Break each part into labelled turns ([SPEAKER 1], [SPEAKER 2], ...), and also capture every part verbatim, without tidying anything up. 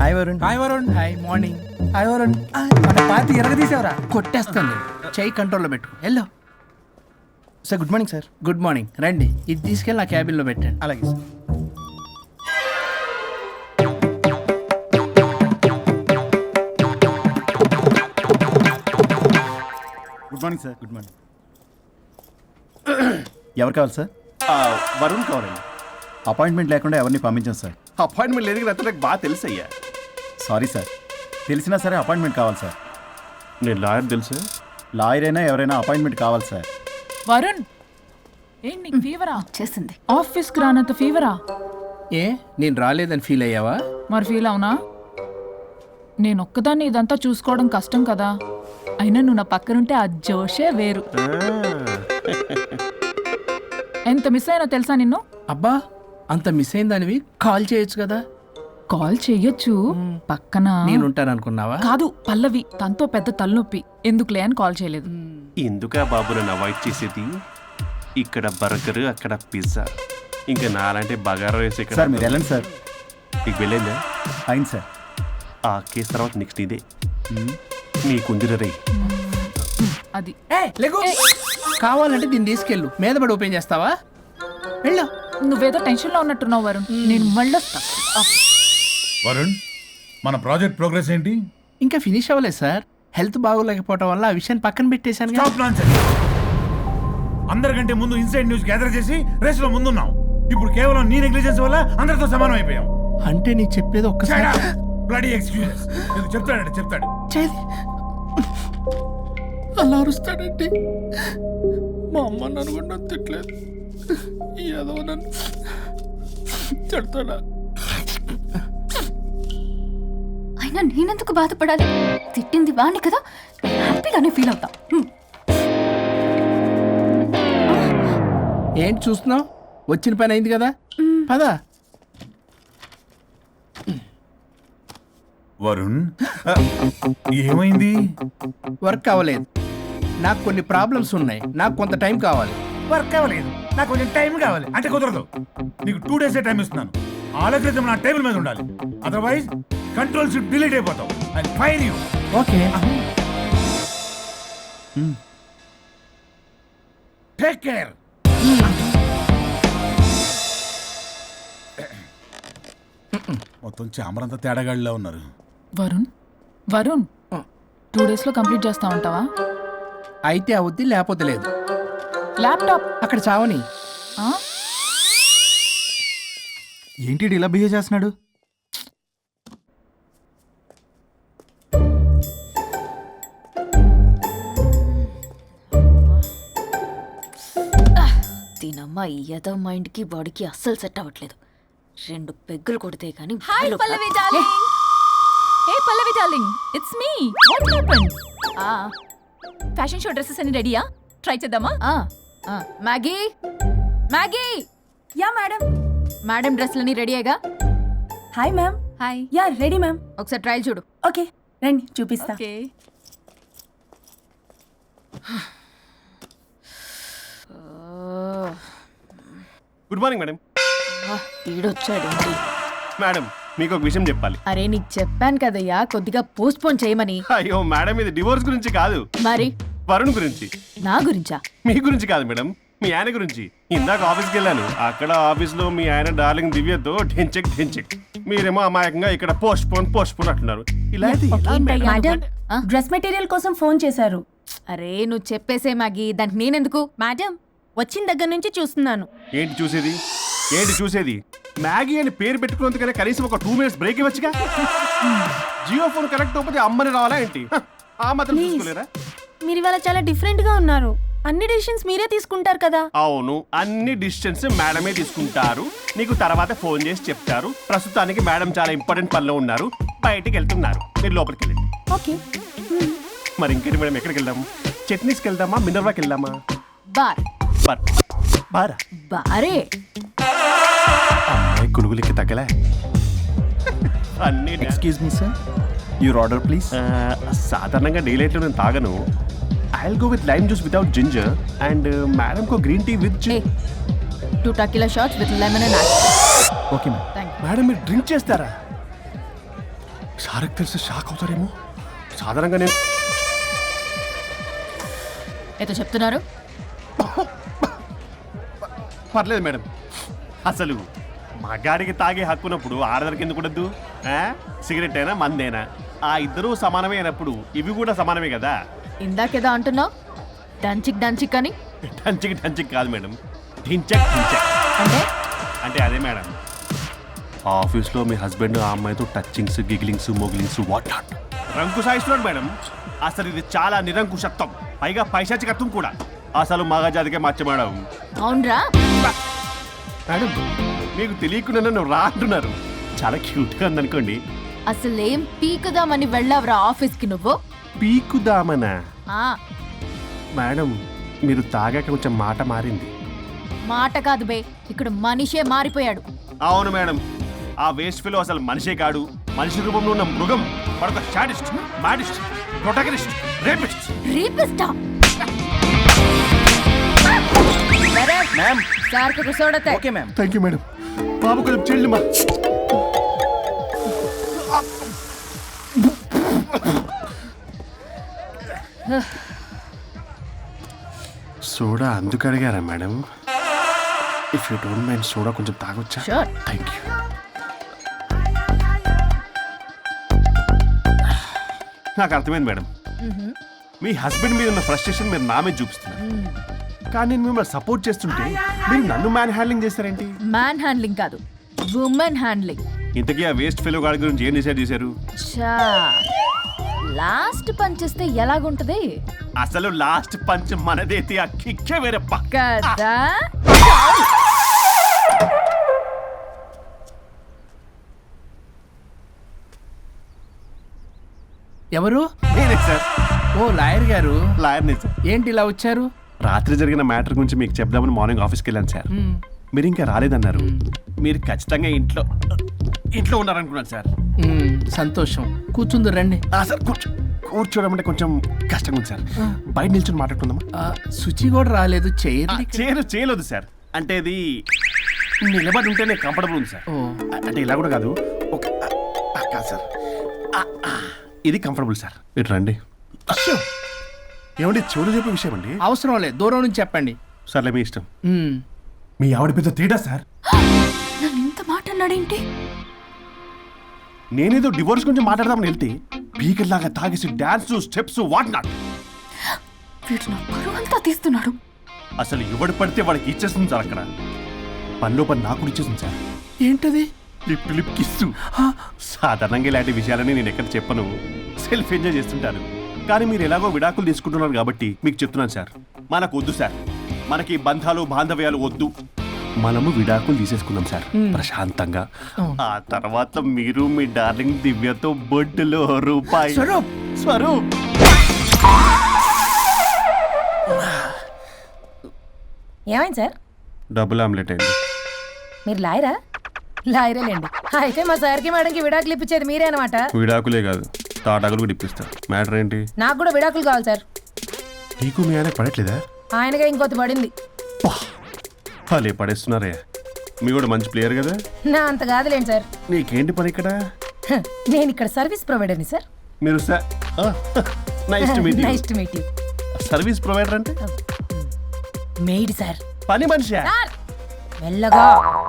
[SPEAKER 1] Hi Varun.
[SPEAKER 2] Hi Varun. Hi morning.
[SPEAKER 1] Hi Varun. మన party ఎరగదీసావరా?
[SPEAKER 2] కొట్టేస్తాను. చెయ్యి కంట్రోల్లో పెట్టు. Hello.
[SPEAKER 1] Sir good morning sir.
[SPEAKER 2] Good morning. రండి, ఇది తీసుకెళ్ళి నా క్యాబిన్లో పెట్టండి.
[SPEAKER 1] అలాగే sir.
[SPEAKER 3] Good morning sir.
[SPEAKER 1] Good morning. ఎవరు కావాలి సార్?
[SPEAKER 3] వరుణ్ కావాలండి.
[SPEAKER 1] అపాయింట్మెంట్ లేకుండా ఎవరిని పంపించాం సార్.
[SPEAKER 3] అపాయింట్మెంట్ లేదు కదా, నాకు బాగా తెలుసు అయ్యా.
[SPEAKER 1] సారీ సార్, తెలిసినా సరే అపాయింట్మెంట్ కావాలి సార్.
[SPEAKER 3] నేను లాయర్ తెలుసు.
[SPEAKER 1] లాయర్ అయినా ఎవరైనా అపాయింట్మెంట్ కావాలి సార్.
[SPEAKER 4] వరుణ్, ఏంటి నీకు ఫీవరా?
[SPEAKER 5] చేసింది.
[SPEAKER 4] ఆఫీస్కి రానంత ఫీవరా?
[SPEAKER 2] ఏ నేను రాలేదని ఫీల్ అయ్యావా?
[SPEAKER 4] మరి ఫీల్ అవునా? నేను ఒక్కదాన్ని ఇదంతా చూసుకోవడం కష్టం కదా. అయినా నువ్వు నా పక్కనుంటే ఆ జోషే వేరు. ఎంత మిస్ అయినా తెలుసా నిన్ను?
[SPEAKER 2] అబ్బా, అంత మిస్ అయిందానివి కాల్ చేయొచ్చు కదా.
[SPEAKER 4] కాల్ చెయ్యొచ్చు, పక్కన
[SPEAKER 2] నేనుంటాను అనుకున్నావా?
[SPEAKER 4] కాదు, పల్లవి తనతో పెద్ద తలనొప్పి, ఎందుకులే అని కాల్ చేయలేదు.
[SPEAKER 3] ఎందుకా బాబు నన్ను అవాయిడ్ చేసేది? ఇక్కడ బర్గర్, అక్కడ పిజ్జా, ఇంకా నాలంటే బగారా వేసి ఇక్కడ.
[SPEAKER 1] సార్ మీరు వెళ్ళండి సార్.
[SPEAKER 3] నీకు వెళ్ళిందా?
[SPEAKER 1] అయింది సార్.
[SPEAKER 3] ఆ కేసు తర్వాత నెక్స్ట్ ఇదే నీకుందిర రే.
[SPEAKER 4] అది
[SPEAKER 2] లేకు. కావాలంటే దీన్ని తీసుకెళ్ళు, మీద పడి ఓపెన్ చేస్తావా? వెళ్ళు.
[SPEAKER 4] నువ్వేదో టెన్షన్లో ఉన్నట్టున్నావు వరుణ్, నేను మళ్ళొస్తా.
[SPEAKER 6] వరుణ్, మన ప్రాజెక్ట్ ప్రోగ్రెస్ ఏంటి?
[SPEAKER 2] ఇంకా ఫినిష్ అవ్వలేదు సార్. హెల్త్ బాగోలేకపోవడం వల్ల ఆ విషయాన్ని పక్కన పెట్టేశాను.
[SPEAKER 6] Stop nonsense. అందరికంటే ముందు ఇన్సైడ్ న్యూస్ గ్యాదర్ చేసి రేస్ లో ముందున్నాం. ఇప్పుడు కేవలం నీ నెగ్లిజెన్స్ వల్ల అందరితో సమానం అయిపోయాం.
[SPEAKER 2] అంటే నీకు చెప్పేది ఒక్కసారి
[SPEAKER 6] బ్లడీ ఎక్స్క్యూజెస్. నీకు చెప్తాడంటే చెప్తాడు.
[SPEAKER 2] చేది అలా అరుస్తాడంటే మా అమ్మ నన్ను కూడా నన్ను తిట్టలేదు, ఏదో నన్ను తిడతాడా?
[SPEAKER 5] అయినా నేనెందుకు బాధపడాలి? తిట్టింది వాణ్ణి కదా, హ్యాపీగానే ఫీల్ అవుతా. హ్మ్.
[SPEAKER 2] ఏంటి చూస్తున్నావు? వచ్చిన పని అయింది కదా, పదా.
[SPEAKER 6] వరుణ్, ఏమైంది?
[SPEAKER 2] వర్క్ అవ్వలేదు. నాకు కొన్ని ప్రాబ్లమ్స్ ఉన్నాయి, నాకు కొంత టైం కావాలి.
[SPEAKER 6] వర్క్ అవ్వలేదు, నాకు కొంచెం టైం కావాలి అంటే కుదరదు. నీకు టూ డేస్ టైం ఇస్తున్నాను. ఆలోచించడం నా టేబుల్ మీద ఉండాలి, అదర్వైజ్ కంట్రోల్ షిప్ డిలీట్ అయిపోతావు. I fire you.
[SPEAKER 2] Okay.
[SPEAKER 6] Take care. మొత్తం చామరంతా తేడాగాడిలా ఉన్నారు.
[SPEAKER 4] వరుణ్ వరుణ్ టూ డేస్ లో కంప్లీట్ చేస్తా ఉంటావా?
[SPEAKER 2] అయితే అవుద్ది, లేకపోతే లేదు.
[SPEAKER 4] ల్యాప్టాప్
[SPEAKER 2] అక్కడ చావని.
[SPEAKER 4] ఆ?
[SPEAKER 1] ఏంటి ఇలా బిహేవ్ చేస్తున్నాడు?
[SPEAKER 5] దీనమ్మ ఈ యదో మైండ్ కి బాడీకి అస్సలు సెట్ అవ్వట్లేదు. రెండు పెగ్గులు కొడితే కానీ.
[SPEAKER 4] Hi Pallavi darling. Hey Pallavi darling, it's me. What happened? ఆ ఫ్యాషన్ షో డ్రెస్సెస్ అన్ని రెడీయా? ట్రై చేద్దామా? ఆ ఆ Maggi Maggi.
[SPEAKER 7] Yeah madam.
[SPEAKER 4] Madam డ్రెస్లన్నీ రెడీయేగా?
[SPEAKER 7] Hi ma'am.
[SPEAKER 4] Hi.
[SPEAKER 7] Yeah ready ma'am.
[SPEAKER 4] ఒకసారి ట్రయల్ చూడు.
[SPEAKER 7] ఓకే రండి చూపిస్తా.
[SPEAKER 4] ఓకే.
[SPEAKER 3] Good morning madam.
[SPEAKER 5] వీడొచ్చాడు.
[SPEAKER 3] మేడం, మీకు ఒక విషయం చెప్పాలి.
[SPEAKER 5] అరే నీకు చెప్పాను కదయ్యా కొద్దిగా పోస్ట్ పోన్ చేయమని.
[SPEAKER 3] అయ్యో మేడం, ఇది డివోర్స్ గురించి కాదు,
[SPEAKER 5] మరి
[SPEAKER 3] వరుణ్ గురించి.
[SPEAKER 5] నా గురించా?
[SPEAKER 3] మీ గురించి కాదు మేడం, మీ ఆయన గురించి. ఇందాక ఆఫీస్కి వెళ్ళాను, అక్కడ ఆఫీస్లో మీ ఆయన డార్లింగ్ దివ్యతో ఢెంచెక్ ఢెంచెక్, మీరేమో అమాయకంగా ఇక్కడ పోస్ట్ పోన్ పోస్ట్ పోన్ అంటున్నారు. ఇలా అయితే ఎలా మేడం?
[SPEAKER 7] మేడం డ్రెస్ మెటీరియల్ కోసం ఫోన్ చేశారు.
[SPEAKER 5] అరే నువ్వు చెప్పేసే మ్యాగీ, దానికి నేనెందుకు?
[SPEAKER 7] మేడం వచ్చిన దగ్గర నుంచి చూస్తున్నాను.
[SPEAKER 3] ఏంటి చూసేది? ఏంటి చూసేది? మ్యాగీ అని పేరు పెట్టుకున్నందుకనే కనీసం ఒక టూ మినిట్స్ బ్రేక్ ఇవ్వచ్చుగా. జియో ఫోన్ కనెక్ట్ అవ్వకపోతే అమ్మని రావాలా ఏంటి? ఆ మాత్రం చూసుకోలేరా?
[SPEAKER 7] మీరు ఇవాళ చాలా డిఫరెంట్ గా ఉన్నారు. అన్ని డిసిషన్స్ మీరే తీసుకుంటారు కదా.
[SPEAKER 3] అవును, అన్ని డిసిషన్స్ మేడమే తీసుకుంటారు. నీకు తర్వాత ఫోన్ చేసి చెప్తారు. ప్రస్తుతానికి మేడం చాలా ఇంపార్టెంట్ పనిలో ఉన్నారు, బయటికి వెళ్తున్నారు. మీరు లోపలికి వెళ్ళండి.
[SPEAKER 7] ఓకే.
[SPEAKER 3] మరి ఇంకేంటి మేడం, ఎక్కడికి వెళ్దాము? చట్నీస్కి వెళ్దామా, మినర్వాకి వెళ్దామా?
[SPEAKER 5] బార్.
[SPEAKER 3] బార్ బారా?
[SPEAKER 5] బారే.
[SPEAKER 3] అమ్మాయి కులుగులకి తగ్గలే. అన్ని
[SPEAKER 1] excuse me sir, your order please.
[SPEAKER 3] సాధారణంగా డే లైట్లో నేను తాగను. I'll go with lime juice without ginger and madam కో green tea with
[SPEAKER 5] two tequila shots with lemon and
[SPEAKER 1] okay ma'am.
[SPEAKER 5] Thank you.
[SPEAKER 3] Madam, మీరు డ్రింక్ చేస్తారా? సార్కి తెలిసి shock అవుతారేమో. సాధారణంగా నేను
[SPEAKER 4] ఏదో చెప్తున్నారు.
[SPEAKER 3] పర్లేదు మేడం. అసలు మగాడికి తాగే హక్కున్నప్పుడు ఆడదానికి ఎందుకు ఉండద్దు? ఆ? సిగరెట్ అయినా మందేనా ఆ ఇద్దరూ సమానమే అయినప్పుడు ఇవి కూడా సమానమే కదా.
[SPEAKER 4] ఇందాకేదో అంటున్నావు, డంచిక్ డంచిక్ అని.
[SPEAKER 3] టంచిక్ టంచిక్ కాదు మేడం, ఢించక్ ఢించక్.
[SPEAKER 4] అంటే
[SPEAKER 3] అంటే అదే మేడం, ఆఫీస్లో మీ హస్బెండ్ ఆ అమ్మాయితో టచ్చింగ్స్ గిగిలింగ్స్ మోగిలింగ్స్ వాట్ నాట్ రంకు సాయిస్తున్నాడు మేడం. అసలు ఇది చాలా నిరంకుశత్వం, పైగా పైశాచికత్వం కూడా. అసలు మగజాతికే మచ్చ మేడం.
[SPEAKER 4] అవునరా?
[SPEAKER 3] మేడం మీకు తెలియకుండా నన్ను రా అంటున్నారు. చాలా క్యూట్గా ఉందనుకోండి.
[SPEAKER 4] అసలు ఏం పీకుదామని వెళ్ళావురా ఆఫీస్కి నువ్వు?
[SPEAKER 3] పీకుదామనా?
[SPEAKER 4] ఆ
[SPEAKER 3] మేడం మీరు తాగాక కొంచెం మాట మారింది.
[SPEAKER 4] మాట కాదు బే, ఇక్కడ మనిషే మారిపోయాడు.
[SPEAKER 3] అవును మేడం, ఆ వేస్ట్ ఫెలో అసలు మనిషే కాడు, మనిషి రూపంలో ఉన్న మృగం. మరొక షాడిస్ట్, మాడిస్ట్, ప్రొటగనిస్ట్, రేపిస్ట్.
[SPEAKER 4] రీపిస్టా
[SPEAKER 1] మ్యామ్
[SPEAKER 4] సార్ కు కూర్చోడతే.
[SPEAKER 1] Okay ma'am.
[SPEAKER 3] Thank you madam. బాబు కొంచెం చెల్లి మా సోడా అందుకు అడిగారా madam? If you don't mind soda కొంచెం తాగొచ్చా?
[SPEAKER 4] Sure.
[SPEAKER 3] Thank you. నాకు అర్థమైంది మేడం, మీ హస్బెండ్ మీద ఉన్న ఫ్రస్ట్రేషన్ మీరు నా మీద చూపిస్తున్నారు. కానీ నేను మిమ్మల్ని సపోర్ట్ చేస్తుంటే మీరు నన్ను మ్యాన్ హ్యాండ్లింగ్ చేస్తారేంటి?
[SPEAKER 4] మ్యాన్ హ్యాండ్లింగ్ కాదు, ఉమెన్ హ్యాండ్లింగ్.
[SPEAKER 3] ఇంతకీ ఆ వేస్ట్ ఫెలో గాడి గురించి ఏం డిసైడ్ చేశారు?
[SPEAKER 4] చా లాస్ట్ పంచ్ ఇస్తే ఎలాగుంటది
[SPEAKER 3] అసలు లాస్ట్ పంచ్ మనదైతే ఆ కిక్కే వేరే పక్క.
[SPEAKER 4] కదా?
[SPEAKER 2] ఎవరు?
[SPEAKER 3] నేనే సార్,
[SPEAKER 2] ఓ లాయర్ గారు.
[SPEAKER 3] లాయర్నే సార్.
[SPEAKER 2] ఏంటి ఇలా వచ్చారు?
[SPEAKER 3] రాత్రి జరిగిన మ్యాటర్ గురించి మీకు చెప్దామని మార్నింగ్ ఆఫీస్కి వెళ్ళాను సార్. మీరు ఇంకా రాలేదన్నారు. మీరు ఖచ్చితంగా ఇంట్లో ఇంట్లో ఉన్నారనుకున్నాను సార్.
[SPEAKER 2] మ్మ్, సంతోషం. కూర్చుంది రండి.
[SPEAKER 3] ఆ, సార్ కూర్చో కూర్చోవడం అంటే కొంచెం కష్టంగా ఉంది సార్. బయట నిల్చొని మాట్లాడుకుందామా?
[SPEAKER 2] ఆ, శుచి కూడా రాలేదు.
[SPEAKER 3] ఆ,
[SPEAKER 2] చైర్
[SPEAKER 3] చేయరు చేయలేదు సార్. అంటే ఇది నిలబడి ఉంటేనే కంఫర్టబుల్ ఉంది సార్.
[SPEAKER 2] ఓ.
[SPEAKER 3] అ- అంటే ఇలా కూడా కాదు, ఒక ఆ, ఆ, కాదు సార్. ఆ, ఆ, ఇది కంఫర్టబుల్ సార్. ఇటు రండి. అయ్యో, ఏమండి చెవులు చెప్పే విషయం అండి.
[SPEAKER 2] అవసరం లేదు, దూరం నుంచి చెప్పండి.
[SPEAKER 3] సర్లే మీ ఇష్టం.
[SPEAKER 2] మ్మ్.
[SPEAKER 3] మీ ఆవిడ పెద్ద తేడా సార్.
[SPEAKER 5] నన్ను ఇంత మాట అన్నాడేంటి?
[SPEAKER 3] నేనేదో డివోర్స్ గురించి మాట్లాడదామని వెళ్తే పీకల్లాగా తాగేసి డాన్స్ స్టెప్స్ వాట్ నాట్.
[SPEAKER 5] వీడు నా పరువు అంతా తీస్తున్నాడు.
[SPEAKER 3] అసలు ఎవడు పడితే వాడికి ఇచ్చేస్తుంది సార్. అక్కడ పనిలో పని నాకు కూడా ఇచ్చేస్తుంది సార్.
[SPEAKER 2] ఏంటది?
[SPEAKER 3] Lip lip kiss. సాధారణంగా ఇలాంటి విషయాలని నేను ఎక్కడ చెప్పను, సెల్ఫ్ ఎంజాయ్ చేస్తుంటాను. కానీ మీరు ఎలాగో విడాకులు తీసుకుంటున్నారు కాబట్టి మీకు చెప్తున్నాను సార్, మనకు వద్దు సార్. మనకి బంధాలు బాంధవ్యాలు వద్దు. మనము విడాకులు తీసేసుకుందాం సార్ ప్రశాంతంగా. ఆ తర్వాత మీరు మీ డార్లింగ్ దివ్యతో బొడ్డులో రూపాయి.
[SPEAKER 2] స్వరూప్.
[SPEAKER 3] స్వరూప్
[SPEAKER 8] ఏమైంది సార్?
[SPEAKER 3] డబుల్ ఆమ్లెట్ అయింది.
[SPEAKER 8] మీరు లాయరా? లాయరేలేండి. అయితే మా సార్కి మేడంకి విడాకులు ఇప్పించేది మీరే అనమాట.
[SPEAKER 3] విడాకులే కాదు, తాటాకులు కూడా ఇప్పిస్తారు. మ్యాటర్ ఏంటి?
[SPEAKER 8] నాకు కూడా విడాకులు కావాలి సార్.
[SPEAKER 3] నీకు మీ ఆయన పడట్లేదా?
[SPEAKER 8] ఆయనగా ఇంకొకటి పడింది.
[SPEAKER 3] వాళ్ళే పడేస్తున్నారే. మీ కూడా మంచి ప్లేయర్ కదా.
[SPEAKER 8] నా అంత కాదులేండి సార్.
[SPEAKER 3] నీకేంటి పని ఇక్కడ?
[SPEAKER 8] హ, నేను ఇక్కడ సర్వీస్ ప్రొవైడర్ని సార్.
[SPEAKER 3] మీరు nice to meet
[SPEAKER 8] nice to meet you.
[SPEAKER 3] Service provider అంటే
[SPEAKER 8] మెయిడ్ సార్.
[SPEAKER 3] పని మనిషి.
[SPEAKER 8] సార్ మెల్లగా.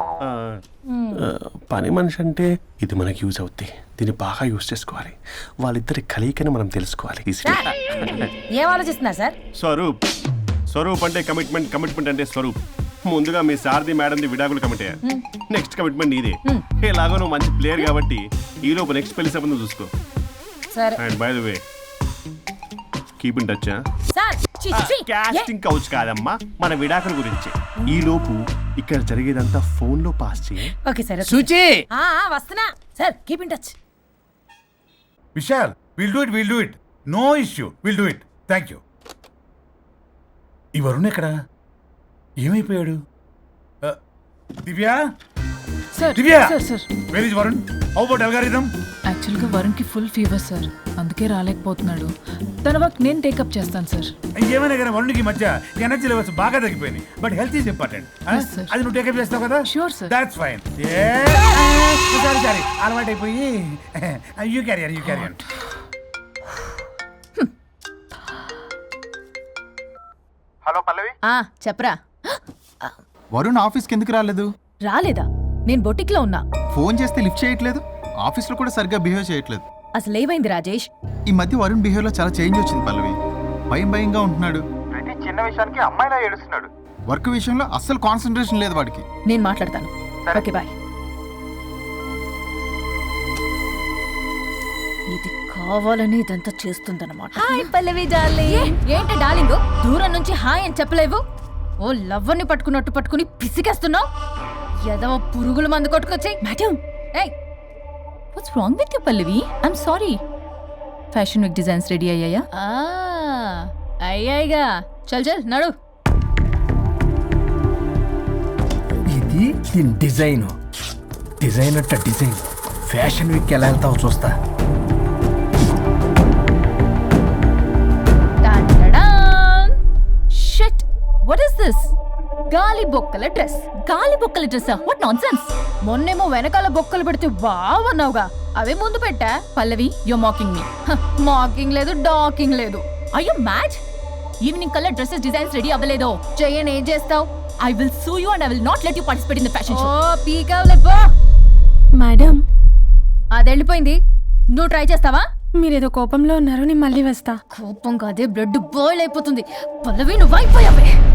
[SPEAKER 3] పని మనిషి అంటే ఇది మనకి యూజ్ అవుద్ది. దీన్ని బాగా యూజ్ చేసుకోవాలి. వాళ్ళిద్దరి కలయికని మనం తెలుసుకోవాలి.
[SPEAKER 8] సార్ ఏం ఆలోచిస్తున్నారు సార్?
[SPEAKER 3] స్వరూప్. స్వరూప్ అంటే కమిట్మెంట్, కమిట్మెంట్ అంటే స్వరూప్. ముందుగా మీ సారథి మేడంది విడాకులు కమిట్ అయ్యారు. నెక్స్ట్ కమిట్మెంట్ నీదే. ఎలాగో నువ్వు మంచి ప్లేయర్ కాబట్టి ఈ లోపు నెక్స్ట్ పెళ్లి సంబంధం చూసుకో.
[SPEAKER 8] సరే
[SPEAKER 3] and by the way keep in touch.
[SPEAKER 8] Sir. ఛీ, ఛీ.
[SPEAKER 3] కాస్టింగ్ కౌచ్ కాదమ్మా, మన విడాకుల గురించి. ఈ లోపు ఇక్కడ జరిగేదంతా ఫోన్ లో పాస్ చేయి.
[SPEAKER 8] Okay sir. ఓకే.
[SPEAKER 2] శుచి.
[SPEAKER 8] ఆ, ఆ, వస్తున్నా sir. Keep in touch.
[SPEAKER 6] Vishal, will do it, will do it. No issue, will do it. Thank you. ఈ వరుణ్ ఎక్కడ? ఏమైపోయాడు? Uh, Divya,
[SPEAKER 9] sir
[SPEAKER 6] Divya,
[SPEAKER 9] sir sir
[SPEAKER 6] where is Varun? How about algorithm?
[SPEAKER 9] యాక్చువల్గా వరుణ్కి ఫుల్ ఫీవర్ సార్, అందుకే రాలేకపోతున్నాడు. తన వర్క్ నేను టేకప్ చేస్తాను sir.
[SPEAKER 6] ఏమైనా కానీ వరుణ్కి ఈ మధ్య ఎనర్జీ లెవెల్స్ బాగా తగ్గిపోయినాయి. But health is important.
[SPEAKER 9] Yes, sir.
[SPEAKER 6] అది నువ్వు టేకప్ చేస్తావు కదా?
[SPEAKER 9] Sure, sir.
[SPEAKER 6] That's fine.
[SPEAKER 8] Sorry
[SPEAKER 6] sorry అలవాటైపోయి you carrier you carrier
[SPEAKER 1] hello Pallavi
[SPEAKER 4] ఆ చెప్పరా.
[SPEAKER 1] వరుణ్ ఆఫీస్కి ఎందుకు రాలేదు?
[SPEAKER 4] రాలేదా? నేను బొటిక్లో ఉన్నా.
[SPEAKER 1] ఫోన్ చేస్తే లిఫ్ట్ చేయట్లేదు, ఆఫీస్లో కూడా సరిగ్గా బిహేవ్ చేయట్లేదు.
[SPEAKER 4] అసలు ఏమైంది రాజేష్?
[SPEAKER 1] ఈ మధ్య వరుణ్ బిహేవ్లో చాలా చేంజ్ వచ్చింది పల్లవి. భయం భయంగా ఉంటున్నాడు, ప్రతి చిన్న విషయానికి అమ్మాయిలా ఏడుస్తున్నాడు. వర్క్ విషయంలో అస్సలు కాన్సన్ట్రేషన్ లేదు వాడికి.
[SPEAKER 4] నేను మాట్లాడతాను. Okay bye. ఇది కావాలని ఇదంతా చేస్తుందన్నమాట. Hi Pallavi darling. ఏంటి డార్లింగ్ దూరం నుంచి హాయ్ అని చెప్పలేవు? ఓ లవ్వర్ని పట్టుకున్నట్టు పట్టుకుని పిసికేస్తున్నావు. ఏదో పురుగుల మందు కొట్టుకొచ్చి. మేడం ఏయ్ what's wrong with you Pallavi? I'm sorry. Fashion week designs ready అయ్యాయా? అయ్యాయిగా. చల్ చల్ నడు.
[SPEAKER 2] ఇది దీని డిజైన్ డిజైన్ అట్ట డిజైన్ ఫ్యాషన్ వీక్ ఎలా వెళ్తావు చూస్తా.
[SPEAKER 4] Shit what is this? గాలి బొక్కల డ్రెస్. గాలి బొక్కల డ్రెస్? What nonsense. మొన్నేమో వెనకాల బొక్కలు పెడితే వావ్ అన్నావుగా, అవే ముందు పెట్టా. Pallavi you mocking me. Mocking లేదు, డాకింగ్ లేదు. Are you mad? Evening colour dresses designs ready అవ్వలేదో చెయ్యని ఏం చేస్తావు? I will sue you and I will not let you participate in the fashion show. ఓ పీకావులే పో.
[SPEAKER 7] మేడం
[SPEAKER 4] అది వెళ్ళిపోయింది, నువ్వు ట్రై చేస్తావా?
[SPEAKER 7] మీరేదో కోపంలో ఉన్నారు, నేను మళ్ళీ వస్తా.
[SPEAKER 4] కోపం కాదే బ్లడ్ బాయిల్ అయిపోతుంది. పల్లవి నువ్వు అయిపోయావే.